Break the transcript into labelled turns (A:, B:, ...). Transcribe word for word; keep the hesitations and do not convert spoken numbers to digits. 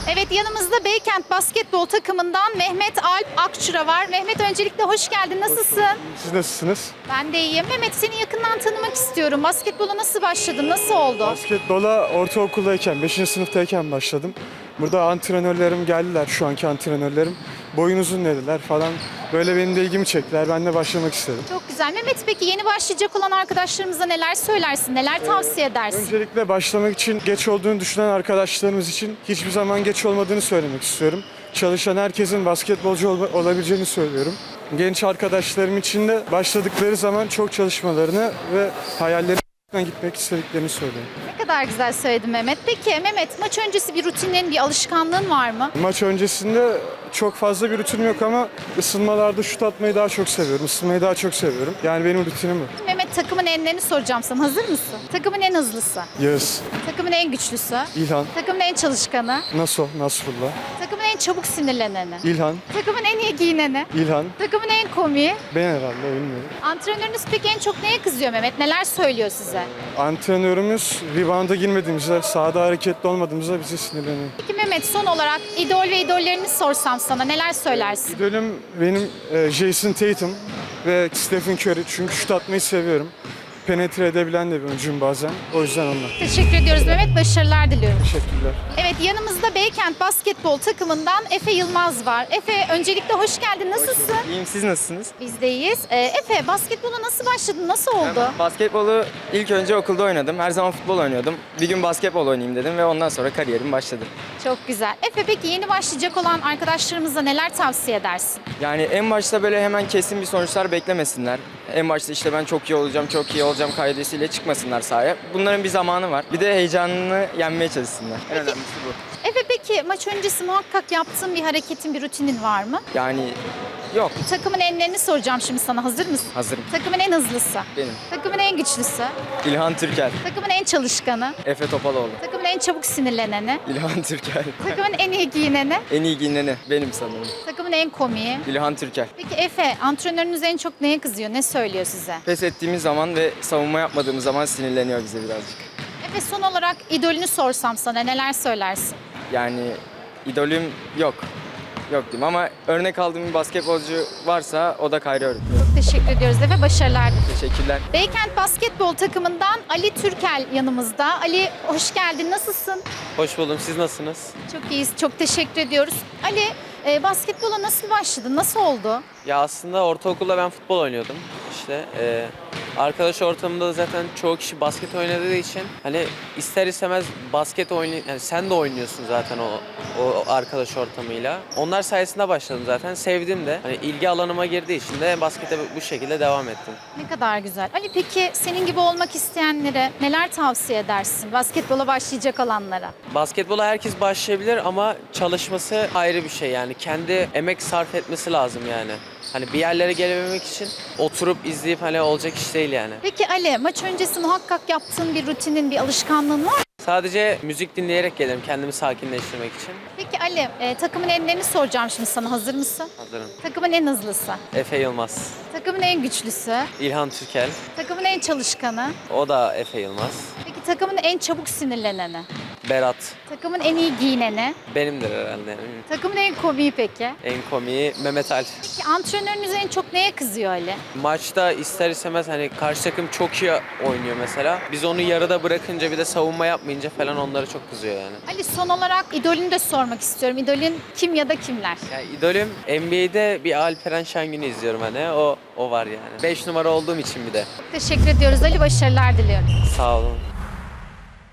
A: Evet, yanımızda Beykent basketbol takımından Mehmet Alp Akçura var. Mehmet, öncelikle hoş geldin. Nasılsın?
B: Siz nasılsınız?
A: Ben de iyiyim. Mehmet, seni yakından tanımak istiyorum. Basketbola nasıl başladın? Nasıl oldu?
B: Basketbola ortaokuldayken, beşinci sınıftayken başladım. Burada antrenörlerim geldiler, şu anki antrenörlerim. Boyun uzun dediler falan. Böyle benim de ilgimi çektiler. Ben de başlamak istedim.
A: Çok güzel. Mehmet, peki yeni başlayacak olan arkadaşlarımıza neler söylersin? Neler tavsiye edersin?
B: Öncelikle başlamak için geç olduğunu düşünen arkadaşlarımız için hiçbir zaman geç olmadığını söylemek istiyorum. Çalışan herkesin basketbolcu ol- olabileceğini söylüyorum. Genç arkadaşlarım için de başladıkları zaman çok çalışmalarını ve hayallerine gitmek istediklerini söylüyorum.
A: Ne kadar güzel söyledin Mehmet. Peki Mehmet, maç öncesi bir rutinin, bir alışkanlığın var mı?
B: Maç öncesinde çok fazla bir rutinim yok ama ısınmalarda şut atmayı daha çok seviyorum. Isınmayı daha çok seviyorum. Yani benim rutinim bu.
A: Mehmet, takımın enlerini soracağım sana. Hazır mısın? Takımın en hızlısı,
B: Yağız,
A: takımın en güçlüsü,
B: İlhan,
A: takımın en çalışkanı,
B: Naso, Nasrullah,
A: takımın en çabuk sinirleneni,
B: İlhan,
A: takımın en iyi giyineni,
B: İlhan,
A: takımın en komiği.
B: ben herhalde bilmiyorum.
A: Antrenörünüz peki en çok neye kızıyor Mehmet? Neler söylüyor size?
B: Antrenörümüz rebound'a girmediğimizde, sahada hareketli olmadığımızda bizi sinirleniyor.
A: Peki Mehmet, son olarak idol ve idollerini sorsam sana neler söylersin?
B: İdolüm benim e, Jason Tatum ve Stephen Curry çünkü şut atmayı seviyorum. Penetre edebilen de bir oyuncuyum bazen. O yüzden onlar.
A: Teşekkür ediyoruz Mehmet, başarılar diliyorum.
B: Teşekkürler.
A: Evet, yanımızda Beykent basketbol takımından Efe Yılmaz var. Efe, öncelikle hoş geldin. Nasılsın?
C: İyiyim, siz nasılsınız?
A: Biz de iyiyiz. Ee, Efe, basketbola nasıl başladın? Nasıl oldu?
C: Basketbolu ilk önce okulda oynadım. Her zaman futbol oynuyordum. Bir gün basketbol oynayayım dedim ve ondan sonra kariyerim başladı.
A: Çok güzel. Efe, peki yeni başlayacak olan arkadaşlarımıza neler tavsiye edersin?
C: Yani en başta böyle hemen kesin bir sonuçlar beklemesinler. En başta işte ben çok iyi olacağım, çok iyi olacağım kaidesiyle çıkmasınlar sahaya. Bunların bir zamanı var. Bir de heyecanını yenmeye çalışsınlar. En önemlisi bu.
A: Efe, peki maç öncesi muhakkak yaptığın bir hareketin, bir rutinin var mı?
C: Yani yok,
A: Takımın enlerini soracağım şimdi sana. Hazır mısın?
C: hazırım.
A: Takımın en hızlısı,
C: Benim.
A: takımın en güçlüsü,
C: İlhan Türkel,
A: takımın en çalışkanı,
C: Efe Topaloğlu.
A: takımın en çabuk sinirleneni,
C: İlhan Türkel.
A: takımın en iyi giyineni,
C: En iyi giyineni benim sanırım.
A: takımın en komiği.
C: İlhan Türkel.
A: Peki Efe, antrenörünüz en çok neye kızıyor? Ne söylüyor size?
C: Pes ettiğimiz zaman ve savunma yapmadığımız zaman sinirleniyor bize birazcık.
A: Efe, son olarak idolünü sorsam sana neler söylersin?
C: Yani idolüm yok. Yok diyeyim ama örnek aldığım bir basketbolcu varsa o da Kyrie Irving.
A: Çok teşekkür ediyoruz Efe, başarılar dileriz.
C: Teşekkürler.
A: Beykent basketbol takımından Ali Türkel yanımızda. Ali, hoş geldin. Nasılsın?
D: Hoş buldum. Siz nasılsınız?
A: Çok iyiyiz. Çok teşekkür ediyoruz. Ali, e, basketbola nasıl başladın? Nasıl oldu?
D: Ya aslında ortaokulda ben futbol oynuyordum. İşte e, arkadaş ortamında zaten çoğu kişi basket oynadığı için hani ister istemez basket oynay yani sen de oynuyorsun zaten o o arkadaş ortamıyla. Onlar sayesinde başladım zaten. Sevdim de. Hani ilgi alanıma girdiği için de baskete bu şekilde devam ettim.
A: Ne kadar güzel. Ali, peki senin gibi olmak isteyenlere neler tavsiye edersin? Basketbola başlayacak olanlara.
D: Basketbola herkes başlayabilir ama çalışması ayrı bir şey yani. Kendi emek sarf etmesi lazım yani. Hani bir yerlere gelebilmek için oturup izleyip hani olacak iş değil yani.
A: Peki Ali, maç öncesi muhakkak yaptığın bir rutinin, bir alışkanlığın var mı?
D: Sadece müzik dinleyerek gelirim kendimi sakinleştirmek için.
A: Peki Ali, e, takımın enlerini soracağım şimdi sana. Hazır mısın?
D: Hazırım.
A: Takımın en hızlısı,
D: Efe Yılmaz,
A: takımın en güçlüsü,
D: İlhan Türkel,
A: takımın en çalışkanı,
D: o da Efe Yılmaz,
A: peki takımın en çabuk sinirleneni,
D: Berat,
A: takımın en iyi giyineni,
D: benimdir herhalde yani.
A: takımın en komiği peki.
D: En komiği Mehmet Alp.
A: Peki antrenörünüz en çok neye kızıyor Ali?
D: Maçta ister istemez hani karşı takım çok iyi oynuyor mesela. Biz onu yarıda bırakınca bir de savunma yapmayınca falan onları çok kızıyor yani.
A: Ali, son olarak idolünü de sormak istiyorum. İdolün kim ya da kimler?
D: Ya idolüm N B A'de bir Alperen Şengün'ü izliyorum hani o o var yani. beş numara olduğum için bir de.
A: Teşekkür ediyoruz Ali, başarılar diliyorum.
D: Sağ olun.